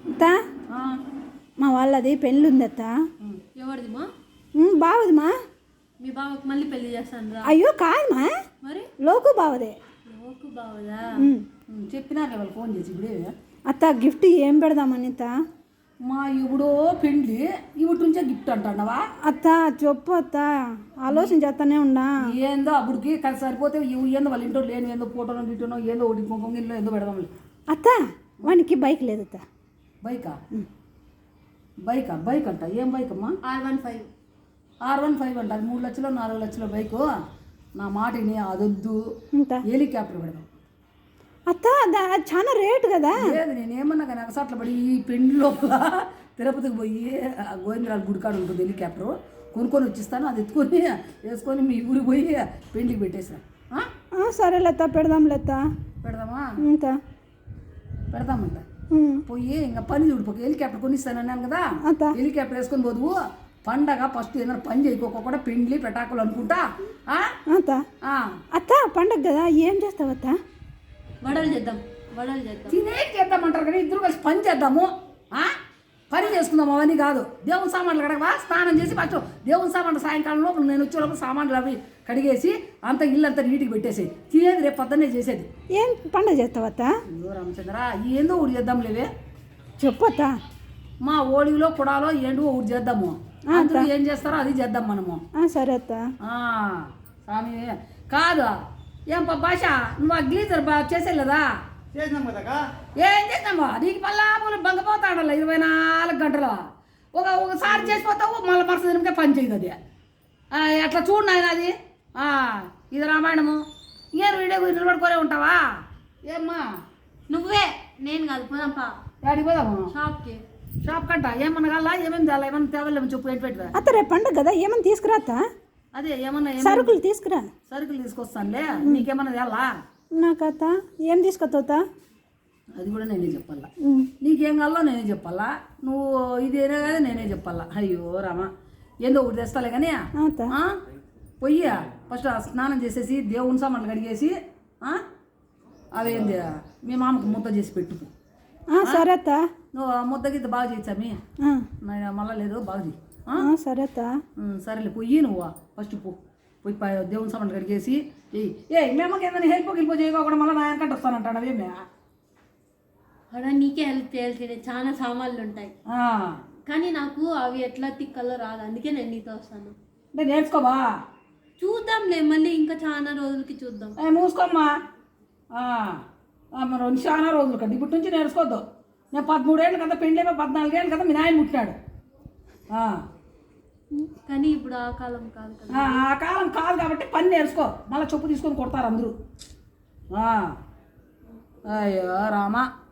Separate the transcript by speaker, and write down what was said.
Speaker 1: అత్త మా వాళ్ళది పెళ్ళి ఉంది అత్త.
Speaker 2: ఎవరిది మా?
Speaker 1: బావది మా.
Speaker 2: మీ బావకి మళ్ళీ పెళ్లి చేస్తాను రా.
Speaker 1: అయ్యో కాదు మా,
Speaker 2: మరి
Speaker 1: లోకు బావదే.
Speaker 2: లోకు బావదా?
Speaker 3: చెప్పినారు వాళ్ళు ఫోన్ చేసి ఇప్పుడే.
Speaker 1: అత్త గిఫ్ట్ ఏం పెడదామని అత్త?
Speaker 3: మా ఇవిడో పెండ్లి ఇవిటి నుంచే గిఫ్ట్ అంటావా?
Speaker 1: అత్త చెప్పు అత్త, ఆలోచన చేస్తానే ఉన్నా.
Speaker 3: ఏందో అప్పుడుకి కలిసి సరిపోతే ఇవి ఏందో వాళ్ళ ఇంట్లో లేని ఏందో ఫోటోలో గిట్టనో ఏందో ఒకటి కుంకుమలో ఏందో పెడదాం.
Speaker 1: అత్త వానికి బైక్ లేదు అత్త.
Speaker 3: బైకా? బైక్ అంట. ఏం బైక్ అమ్మా?
Speaker 2: R15.
Speaker 3: R15 అంట. అది 3 లక్షలు 4 లక్షల బైకు. నా మాటని అదొద్దు, హెలికాప్టర్ పెడదాం.
Speaker 1: అత్త చాలా రేటు కదా.
Speaker 3: లేదు నేనేమన్నా కానీ అగసాట్లు పడి ఈ పెండ్లి లోపల తిరుపతికి పోయి గోవిందరాజు గుడికాడు ఉంటుంది హెలికాప్టర్ కొనుక్కొని వచ్చిస్తాను. అది ఎత్తుకొని వేసుకొని మీ ఊరికి పోయి పెండ్లికి పెట్టేసా.
Speaker 1: సరే లెత్త పెడదాం లెత్త.
Speaker 3: పెడదామా?
Speaker 1: ఇంత
Speaker 3: పెడదామంట. పోయి ఇంకా పని చూడిపోక హెలికాప్టర్ కొనిస్తానన్నాను కదా, హెలికాప్టర్ వేసుకొని పోదువు. పండగ ఫస్ట్ ఏదైనా పని చేయకోకుండా పెండ్లి పెటాకులు అనుకుంటా.
Speaker 1: అత్త పండగ కదా, ఏం చేస్తావు అత్త?
Speaker 2: వడలు చేద్దాం.
Speaker 3: తినేటి చేద్దామంటారు కానీ ఇద్దరు కలిసి పని చేద్దాము. పని చేసుకుందాం. అవన్నీ కాదు. దేవుని సామాన్లు కడగవా, స్నానం చేసి ఫస్ట్ దేవుని సామాన్లు సాయంకాలం లోపల నేను వచ్చే లోపల సామాన్లు అవి కడిగేసి అంత ఇల్లు అంతా నీటికి పెట్టేసి తినేది రేపు పొద్దున్నే చేసేది.
Speaker 1: ఏం పండగ చేస్తావు అత్త?
Speaker 3: అయ్యో రామచంద్ర, ఏందో ఊరు చేద్దాం లేవే.
Speaker 1: చెప్పు అత్త.
Speaker 3: మా ఓడిలో కుడాలో ఏంటో ఊరు చేద్దాము. అందరూ ఏం చేస్తారో అది చేద్దాం మనము.
Speaker 1: సరే అత్త.
Speaker 3: స్వామి కాదు ఏం భాష, నువ్వు ఆ గ్లీజర్ చేసేలేదా? ఏం చేద్దామా? నీకు మళ్ళా బంగపోతాడల్ల 24 గంటలు. ఒకసారి చేసిపోతావు, మళ్ళీ మరుసటి దినకే పని చేయదు అది. అట్లా చూడు నాయన అది. ఇది రామాయణము. ఏం వీడియో నిలబడుకోలే ఉంటావా? ఏమ్మా
Speaker 2: నువ్వే, నేను కాదు. పోదాంపా.
Speaker 3: యాడికి పోదాము? షాప్ కంట. ఏమన్నా కావాలా? ఏమేమి తేలా? ఏమన్నా తేవాలేమో చెప్పు. ఏంటి పెట్టు
Speaker 1: అత్త, రేపు పండుగ కదా, ఏమన్నా తీసుకురా అత్త.
Speaker 3: అదే ఏమన్నా
Speaker 1: సరుకులు తీసుకురా.
Speaker 3: సరుకులు తీసుకొస్తానులే. నీకేమన్నా తేలా?
Speaker 1: నాకు అత్త ఏం తీసుకొస్తావుతా?
Speaker 3: అది కూడా నేనే చెప్పాలా. నీకేం కావాలో నేనే చెప్పాలా. నువ్వు ఇదేనే కదా నేనే చెప్పాలా. అయ్యో రామా, ఏందో ఒకటి తెస్తాలే కానీ పొయ్యి ఫస్ట్ స్నానం చేసేసి దేవుని సామాన్లు కడిగేసి అవేంది మీ మామకు ముద్ద చేసి పెట్టు.
Speaker 1: సరే అత్త.
Speaker 3: నువ్వు ముద్ద గిద్ద బాగా చేయొచ్చామి. మళ్ళా లేదు బాగా చేయి.
Speaker 1: సరే అత్త.
Speaker 3: సరేలే పొయ్యి నువ్వు ఫస్ట్ పోయి దేవుని సామాన్లు కడిగేసి మేమకి ఏదైనా హెల్ప్ చేయకోకుండా మళ్ళీ నా వెనకంటే వస్తానంటాడు. అవేమే
Speaker 2: అలా నీకే హెల్ప్ చేయాల్సిందే. చాలా సామాన్లు ఉంటాయి కానీ నాకు అవి ఎట్లా తిక్కలో రాదు. అందుకే నేను నీతో వస్తాను.
Speaker 3: అంటే నేర్చుకోవా?
Speaker 2: చూద్దాంలే, మళ్ళీ ఇంకా చాలా రోజులకి చూద్దాం.
Speaker 3: మూసుకోమ్మా. మరి చాలా రోజులు కదా, ఇప్పటి నుంచి నేర్చుకోవద్దు. నేను 13 ఏళ్ళు కదా పెళ్ళి, 14 ఏళ్ళు కదా మీ నాయన పుట్టినాడు.
Speaker 2: కానీ ఇప్పుడు ఆ కాలం కాదు కదా.
Speaker 3: ఆ కాలం కాదు కాబట్టి పని నేర్చుకో. మళ్ళీ చెప్పు తీసుకొని కొడతారు అందరూ. అయ్యో రామా.